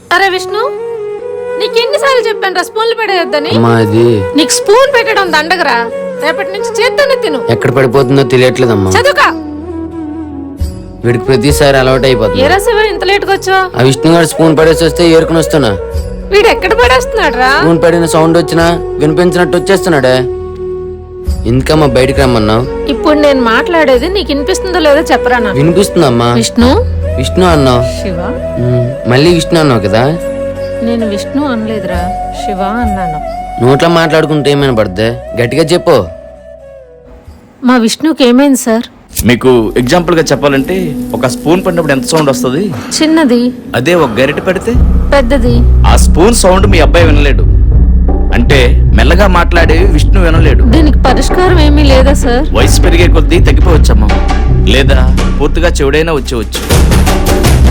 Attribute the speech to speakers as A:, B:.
A: అరే విష్ణు, నీకెన్నిసార్లు చెప్పాను రా స్పూన్లు పడేయొద్దని. నీకు స్పూన్ పెట్టడం దండగరా. రేపటి నుంచి చేత్తోనే తిను.
B: ఎక్కడ పడిపోతుందో తెలియట్లేదమ్మా.
A: చదువుకా.
B: వీడికి ప్రతిసారి అలవాటు అయిపోతుంది.
A: ఏ రాసేవా ఇంత లేట్గా వచ్చా?
B: ఆ విష్ణు గారు స్పూన్ పడేసి వస్తే ఏరుకుని వస్తున్నా.
A: వీడు ఎక్కడ పడేస్తున్నాడు రా?
B: స్పూన్ పడిన సౌండ్ వచ్చినా వినిపించినట్టు వచ్చేస్తున్నాడే. ఎందుకమ్మా బయటికి రమ్మన్నావు?
A: ఇప్పుడు నేను మాట్లాడేది నీకు వినిపిస్తుందో లేదో చెప్పరా నాకు.
B: వినిపిస్తుందమ్మా.
A: విష్ణు
B: విష్ణు అన్నావు.
A: శివ.
B: మళ్ళీ విష్ణు అన్నావు కదా.
A: నేను విష్ణు అనలేదురా, శివ అన్నాను.
B: నోట్లో మాట్లాడుకుంటే ఏమైనా పడుద్ది? గట్టిగా చెప్పు.
A: మా విష్ణుకి ఏమైంది సార్?
C: మీకు ఎగ్జాంపుల్ గా చెప్పాలంటే ఒక స్పూన్ పడినప్పుడు ఎంత సౌండ్ వస్తుంది?
A: చిన్నది.
C: అదే ఒక గరిటె పడితే
A: పెద్దది.
C: ఆ స్పూన్ సౌండ్ మీ అబ్బాయి వినలేడు. అంటే మెల్లగా మాట్లాడేవి విష్ణు వినలేడు.
A: దీనికి పరిష్కారం ఏమీ లేదా సార్?
C: వయసు పెరిగే కొద్దీ తగ్గిపోవచ్చమ్మా, లేదా పూర్తిగా చెవుడైనా వచ్చేవచ్చు.